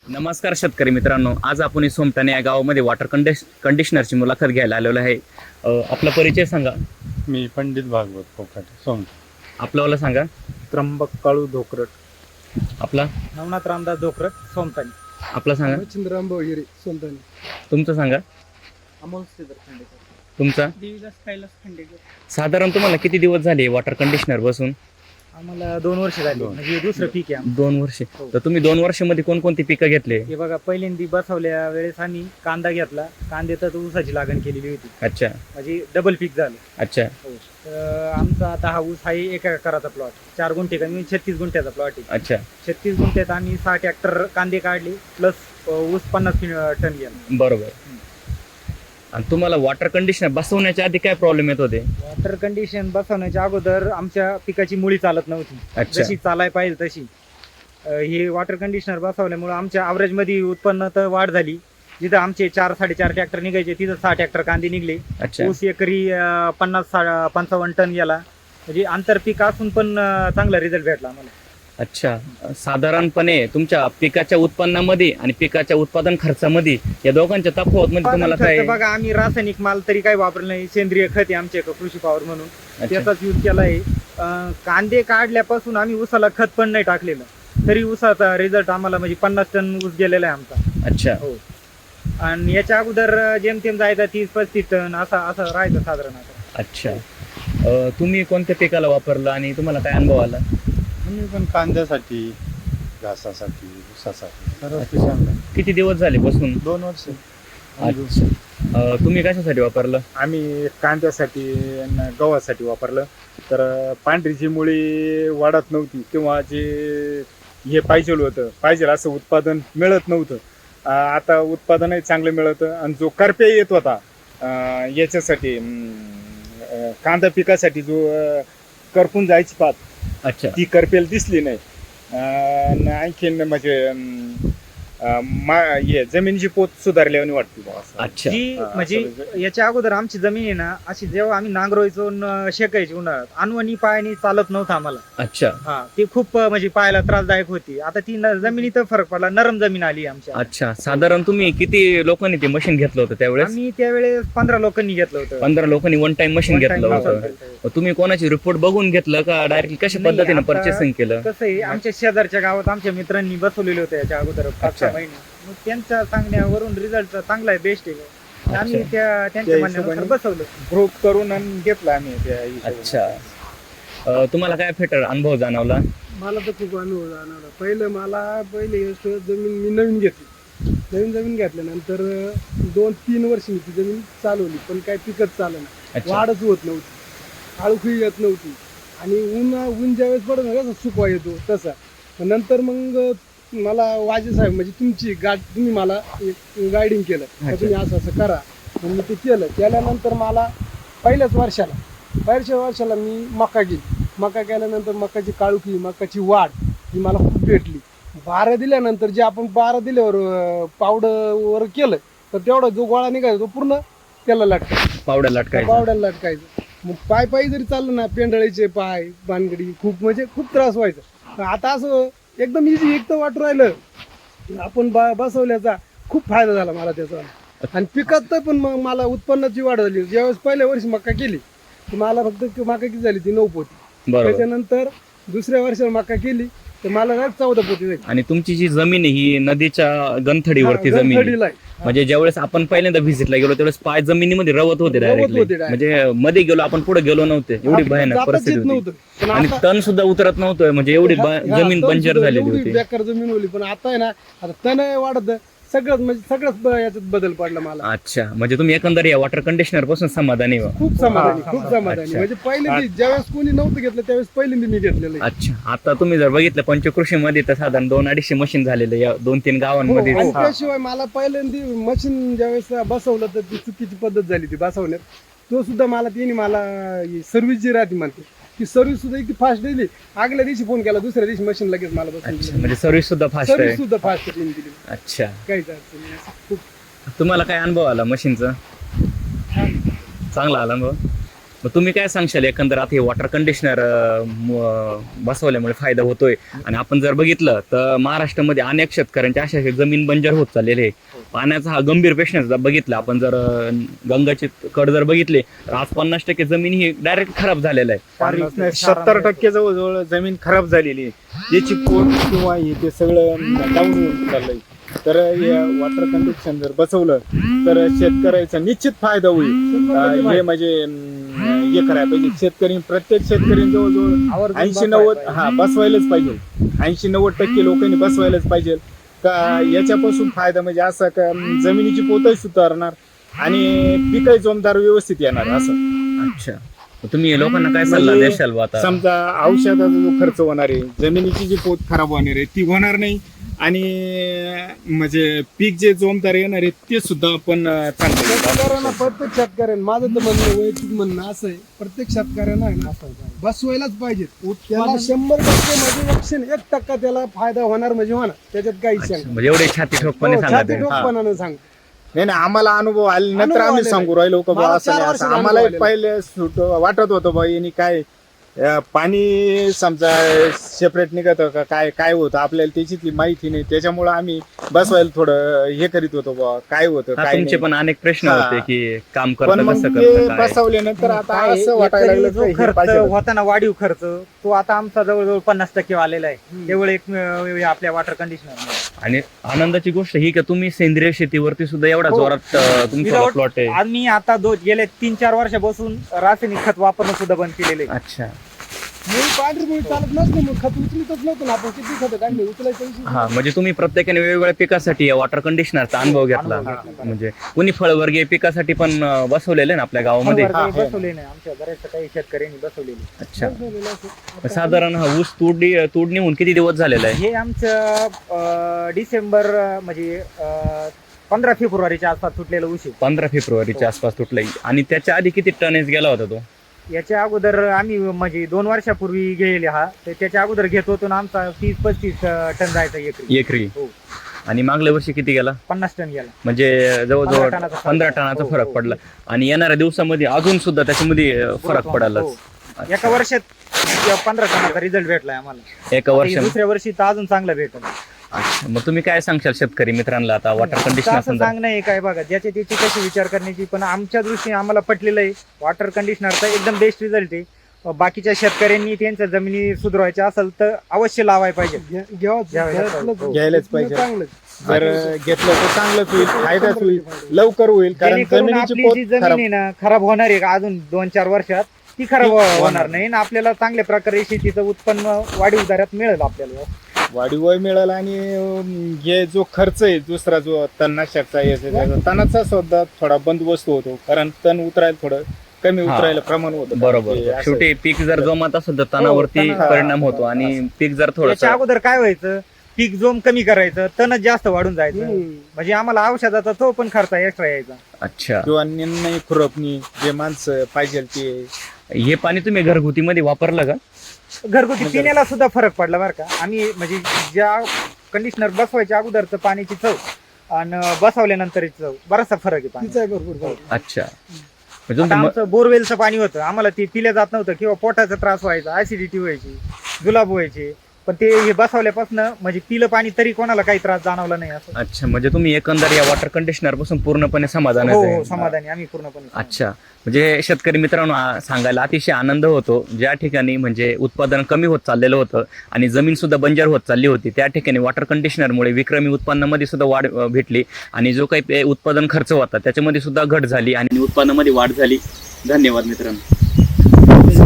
नमस्कार शेतकरी मित्रांनो, आज आपण सोमठाणे या गावामध्ये वॉटर कंडिशनरची मुलाखत घ्यायला आलेलो आहे. आपला परिचय सांगा. मी पंडित भागवत कोकाटे सोमठ. आपल्याला सांगा. त्र्यंबक काळू धोकरट. आपला नवनाथ रामदास धोकरट सोमतानी. आपला सांगा. चंद्ररामभाऊ हिरे सोमतानी. तुमचं सांगा. अमोल श्रीधर खांडेकर. तुमचा. देवीदास कैलास खांडेकर. साधारण तुम्हाला किती दिवस झाले वॉटर कंडिशनर बसून? आम्हाला 2 वर्ष झाली, म्हणजे दुसरं पीक आहे आमचं. 2 वर्षे. हो. तर तुम्ही 2 वर्षामध्ये कोणकोणती पिकं घेतले? हे बघा, पहिल्यांदा बसवल्या वेळेस आम्ही कांदा घेतला. कांद्यात ऊसाची लागण केलेली होती, अच्छा म्हणजे डबल पीक झालं. अच्छा. हो. तर आमचा आता हा ऊस आहे 1 एकराचा प्लॉट. 4 गुंठे कमी 36 गुंठ्याचा प्लॉट आहे. अच्छा. 36 गुंठ्यात आम्ही 6 ट्रॅक्टर कांदे काढले, प्लस ऊस 50 टन गेला. बरोबर. आणि तुम्हाला वॉटर कंडिशनर बसवण्याच्या आधी काय प्रॉब्लेम येत होते? वॉटर कंडिशन बसवण्याच्या अगोदर आमच्या पिकाची मुळी चालत नव्हती, अच्छा. जशी चालाय पाहिजे तशी. हे वॉटर कंडिशनर बसवल्यामुळे आमच्या ॲव्हरेज मध्ये उत्पन्न तर वाढ झाली. जिथं आमचे 4-4.5 ट्रॅक्टर निघायचे, तिथं 6 ट्रॅक्टर कांदे निघले. अच्छा. ऊस एकरी 50-55 टन गेला. म्हणजे आंतरपीक असून पण चांगला रिझल्ट भेटला आम्हाला. अच्छा. साधारणपणे तुमच्या पिकाच्या उत्पन्नामध्ये आणि पिकाच्या उत्पादन खर्चामध्ये या दोघांच्या तफावत मध्ये तुम्हाला काय? बघा, आम्ही रासायनिक माल तरी काही वापरलं नाही. सेंद्रिय खत आहे आमचे कृषी पॉवर म्हणून, त्याचाच यूज केला आहे. कांदे काढल्यापासून आम्ही ऊसाला खत पण नाही टाकलेलं, तरी ऊसाचा रिझल्ट आम्हाला म्हणजे 50 टन ऊस गेलेला आहे आमचा. अच्छा. हो. आणि याच्या अगोदर जेमतेम जायचा 30-35 टन असं राहायचं साधारण. अच्छा. तुम्ही कोणत्या पिकाला वापरलं आणि तुम्हाला काय अनुभव आला? आम्ही पण कांद्यासाठी, घासासाठी, ऊसासाठी सर्व पिकांना. किती दिवस झाले बसून? 2 वर्ष. अच्छा. तुम्ही कशासाठी वापरलं? आम्ही कांद्यासाठी आणि गव्हासाठी वापरलं. तर पांढरीची मुळी वाढत नव्हती, किंवा जे हे पाहिजे असं उत्पादन मिळत नव्हतं. आता उत्पादनही चांगलं मिळतं. आणि जो करप्या येत होता याच्यासाठी, कांदा पिकासाठी जो करपून जायची पात, अच्छा. ती करपेल दिसली नाही. आणखीन म्हणजे हे जमिनीची पोत सुधारल्याने वाटते बुवा असं. अच्छा. जी म्हणजे याच्या अगोदर आमची जमीन आहे ना, अशी जेव्हा आम्ही नांगरायचो शेकायची उन्हाळ्यात, अनवणी पायाने चालत नव्हतं आम्हाला. अच्छा. हा, ती खूप म्हणजे पायाला त्रासदायक होती. आता ती जमिनीत फरक पडला, नरम जमीन आली आमच्या. अच्छा. साधारण तुम्ही किती लोकांनी ते मशीन घेतलं होतं त्यावेळेस? आम्ही त्यावेळेस 15 लोकांनी घेतलं होतं. 15 लोकांनी one time machine One time घेतलं होतं. होतं. तुम्ही कोणाची रिपोर्ट बघून घेतलं का डायरेक्टली कशा नाही, पद्धतीने आता परचेसिंग केलं? कसं आहे, आमच्या शेजारच्या गावात आमच्या मित्रांनी बसवलेले होते याच्या अगोदर 5-6 महिने. मग त्यांच्या सांगण्यावरून रिझल्ट चांगला आहे, बेस्ट आहे. आम्ही त्यांच्या त्या म्हणण्यानुसार हिशोबाने बसवलं. ग्रुप करून आणि घेतला आम्ही त्या हिशोबाने. अच्छा. तुम्हाला काय फेटर अनुभव जाणवला? मला तर खूप अनुभव जाणवला. पहिले जमीन मी नवीन घेतली. नवीन जमीन घेतल्यानंतर 2-3 वर्ष मी ती जमीन चालवली, पण काय पिकच चाललं नाही. अच्छा. वाढच होत नव्हती, आळूखी येत नव्हती. आणि ऊन ज्यावेळेस पडत ना, कसं सुकवा येतो तसा. नंतर मग मला वाजे साहेब, म्हणजे तुम्ही मला गायडिंग केलं, तर तुम्ही असं करा. मग मी ते केल्यानंतर मला पहिल्याच वर्षाला मी मका केली. मका केल्यानंतर मकाची काळुखी, मकाची वाढ ही मला खूप भेटली. 12 दिल्यानंतर जे आपण 12 दिल्यावर पावडर केलं, तर तेवढा जो गोळा निघायचा तो पूर्ण त्याला लटकायचा, पावड्याला लटकायचं. मग पायी जरी चाललं ना, पेंढळीचे पाय, बानगडी खूप खूप त्रास व्हायचा. आता असं एकदम इझी एकटं वाटू राहिलं. आपण बसवल्याचा खूप फायदा झाला मला त्याचा. आणि पिकात तर पण मग मला उत्पन्नाची वाढ झाली. ज्यावेळेस पहिल्या वर्षी मका केली, तर मला फक्त मका किती झाली, ती 9 पोती. त्याच्यानंतर दुसऱ्या वर्षाला मका केली, तर मला 14 पोती झाली. आणि तुमची जी जमीन आहे ही नदीच्या गंथडीवरती जमीन आहे. म्हणजे ज्यावेळेस आपण पहिल्यांदा व्हिजिटला गेलो त्यावेळेस पाय जमिनीमध्ये रवत होते डायरेक्टली. म्हणजे मध्ये गेलो आपण, पुढे गेलो नव्हते, एवढी भयानक परिस्थिती होती. आणि तण सुद्धा उतरत नव्हतं, म्हणजे एवढी जमीन बंजर झालेली होती. बेकार जमीन होती. पण आता आहे ना, आता तण वाढत सगळंच याच्यात बदल पडला मला. अच्छा. म्हणजे तुम्ही एकंदर या वॉटर कंडिशनर पासून समाधानी व्हा. खूप समाधानी. अच्छा. म्हणजे पहिल्यांदा ज्यावेळेस कोणी नव्हतं घेतलं, त्यावेळेस पहिल्यांदा मी घेतलेलं आहे. अच्छा. आता तुम्ही जर बघितलं पंचकृषी मध्ये तर साधारण 200-250 मशीन झालेले या 2-3 गावांमध्ये. आणि त्याशिवाय मला पहिल्यांदा मशीन ज्यावेळेस बसवलं, तर ती चुकीची पद्धत झाली ती बसवण्यात. तो सुद्धा मला सर्व्हिस जी राहते म्हणते, ती सर्व्हिस सुद्धा इतकी फास्ट दिली. आगल्या दिवशी फोन केला, दुसऱ्या दिवशी मशीन लगेच मला अच्छा. म्हणजे सर्व्हिस सुद्धा फास्ट आहे. सर्व्हिस सुद्धा फास्ट दिली. अच्छा. काहीच अडचण नाही. खूप तुम्हाला काय अनुभव आला मशीनचा? चांगला आला अनुभव? मग तुम्ही काय सांगशाल एकंदर आता हे वॉटर कंडिशनर बसवल्यामुळे फायदा होतोय, आणि आपण जर बघितलं तर महाराष्ट्रामध्ये अनेक शेतकऱ्यांच्या अशा जमीन बंजर होत चाललेले आहे. पाण्याचा हा गंभीर प्रश्न बघितला आपण, जर गंगाची कड जर बघितले तर आज 50% जमीन ही डायरेक्ट खराब झालेला आहे. 70% जवळजवळ जमीन खराब झालेली आहे. याची पोट किंवा हे ते सगळं डाऊन होऊन चाललंय. तर वॉटर कंडिशन जर बसवलं तर शेतकऱ्याचा निश्चित फायदा होईल. हे म्हणजे हे करायला पाहिजे. शेतकरी प्रत्येक शेतकरी जवळजवळ 80-90 बसवायलाच पाहिजे. 80-90% लोकांनी बसवायलाच पाहिजे. का याच्यापासून फायदा म्हणजे असा का जमिनीची पोतही सुधारणार आणि पिकही जोमदार व्यवस्थित येणार असं. अच्छा, मग तुम्ही लोकांना काय सल्ला देशाल बा आता? समजा औषधाचा जो खर्च होणार आहे, जमिनीची जी पोत खराब होणार आहे ती होणार नाही, आणि म्हणजे पीक जे जोमदार येणार आहे ते सुद्धा आपण चांगलं. शेतकऱ्यांना, प्रत्येक शेतकऱ्यांना माझं तर म्हणणं, वैयक्तिक म्हणणं असं आहे, प्रत्येक शेतकऱ्यांना आहे ना बसवायलाच पाहिजे. त्याला 100% म्हणजे 1% त्याला फायदा होणार म्हणजे होणार, त्याच्यात काही शंका म्हणजे एवढे छाती ठोकपणे सांगा ते. ठोकपणानं सांग. नाही आम्हाला अनुभव आले नंतर अनुभव आम्ही आलेला सांगू राहिलो का मला बा असं 4 नाही वर्ष असं. अनुभव आम्हाला आलेला. पहिले वाटत होतं बा यांनी काय पाणी समजा सेपरेट निघत का काय होतं आपल्याला त्याची माहिती नाही. त्याच्यामुळे आम्ही बसवायला थोडं हे करीत होतो बा काय होतं हा, काय तुमचे नाही. पण अनेक प्रश्न हा. होते की काम पण करतं मग कसं ते करतं काय. बसवल्यानंतर आता काय असं वाटायला एकरी लागलं जो का हे खर्च पाहिजे. होता ना, वाढीव खर्च, तो आता आमचा जवळजवळ 50% आलेला आहे. केवळ एक आपल्या वॉटर कंडिशनर. आणि आनंदाची गोष्ट ही की तुम्ही सेंद्रिय शेतीवरती सुद्धा एवढा हो. जोरात तुमचा Without- प्लॉट आहे. आम्ही आता गेले 3-4 वर्षापासून रासायनिक खत वापरणं सुद्धा बंद केलेलं आहे. अच्छा, मुळी पांढरी मुळी चालत नसते, मग खत उचलतच नव्हतं ना आपण. किती खत काढले उचलायचं विषय. हा, म्हणजे तुम्ही प्रत्येकाने वेगवेगळ्या पिकासाठी वॉटर कंडिशनरचा अनुभव घेतला. म्हणजे कोणी फळवर्गीय पिकासाठी पण बसवलेले ना आपल्या गावामध्ये. फळबागाही बसवले नाही, आमच्या बऱ्याचशा काही शेतकऱ्यांनी बसवलेले. अच्छा, मग साधारण हा ऊस तोडणी होऊन किती दिवस झालेला आहे? हे आमचं डिसेंबर म्हणजे 15 फेब्रुवारीच्या आसपास तुटलेलं ऊस आहे. 15 फेब्रुवारीच्या आसपास तुटलाय. आणि त्याच्या आधी किती टनेज गेला होता तो? याच्या अगोदर आम्ही म्हणजे 2 वर्षापूर्वी गेले तर त्याच्या अगोदर घेत होतो ना, आमचा 30-35 टन जायचा एकरी. एकरी. हो. आणि मागल्या वर्षी किती गेला? 50 टन गेला. म्हणजे 15 जवळजवळ टनाचा फरक. 15 टनाचा हो, फरक हो, पडला. आणि येणाऱ्या दिवसामध्ये अजून सुद्धा त्याच्यामध्ये फरक पडायलाच. हो. एका वर्षात 15 टनाचा रिझल्ट भेटलाय आम्हाला. एका वर्षात. दुसऱ्या वर्षी तर अजून चांगला भेटल. अच्छा, मग तुम्ही काय सांगशाल शेतकरी मित्रांना आता वॉटर कंडिशनर असं सांगणं आहे काय बघा, ज्याची त्याची कशी विचार करण्याची, पण आमच्या दृष्टीने आम्हाला पटलेलं आहे वॉटर कंडिशनरचा एकदम बेस्ट रिझल्ट आहे. बाकीच्या शेतकऱ्यांनी त्यांच्या जमिनी सुधारायच्या असेल तर अवश्य लावायला पाहिजे. घ्यायलाच पाहिजे. चांगलं. जर घेतलं तर चांगलंच होईल, फायदाच होईल, लवकर होईल. कारण जेणेकरून जमिनीची आपली पोत जी जमीन खराब आहे ना खराब होणार आहे का अजून 2-4 वर्षात, ती खराब होणार नाही आणि आपल्याला चांगल्या प्रकारे शेतीचं उत्पन्न वाढीव दरात मिळेल आपल्याला. वाढीव मिळाला. आणि हे जो खर्च आहे दुसरा जो तणनाशकचा याचा तणाचा सुद्धा थोडा बंदोबस्त होतो. कारण तण उतरायला थोडं कमी उतरायला प्रमाण होतं. बरोबर. ते असं. शेवटी पीक जर जोमात असेल तर तणावरती तणावर. परिणाम होतो. आणि पीक जर त्याच्या थोडं अगोदर काय व्हायचं, पीक जोम कमी करायचं, तणच जास्त वाढून जायचं. म्हणजे आम्हाला औषधाचा तो पण खर्च एक्स्ट्रा यायचा. अच्छा, किंवा निंदणी खुरपणी जे माणसं पाहिजे ते. हे पाणी तुम्ही घरगुती मध्ये वापरलं का? घरगुती पिण्याला सुद्धा फरक पडला बरं का. आम्ही म्हणजे ज्या कंडिशनर बसवायच्या अगोदरचं पाण्याची चव आणि बसवल्यानंतरची चव बराचसा फरक आहे पाणी. तिचा आहे भरपूर. अच्छा, म्हणजे आता तुमचं आमचं बोरवेलचं पाणी होतं, आम्हाला ते पिल्या जात नव्हतं किंवा पोटाचा त्रास व्हायचा, ऍसिडिटी व्हायची, जुलाब व्हायचे. पण ते हे बसवल्यापासून म्हणजे पिलं पाणी तरी कोणाला काही त्रास जाणवला नाही असं. अच्छा, म्हणजे तुम्ही एकंदर या वॉटर कंडिशनर पासून पूर्णपणे समाधान हो, समाधानी आम्ही पूर्णपणे. अच्छा, म्हणजे शेतकरी मित्रांनो सांगायला अतिशय आनंद होतो. ज्या ठिकाणी म्हणजे उत्पादन कमी होत चाललेलं होतं आणि जमीन सुद्धा बंजर होत चालली होती, त्या ठिकाणी वॉटर कंडिशनरमुळे विक्रमी उत्पन्नामध्ये सुद्धा वाढ भेटली. आणि जो काही उत्पादन खर्च होता त्याच्यामध्ये सुद्धा घट झाली आणि उत्पन्नामध्ये वाढ झाली. धन्यवाद मित्रांनो.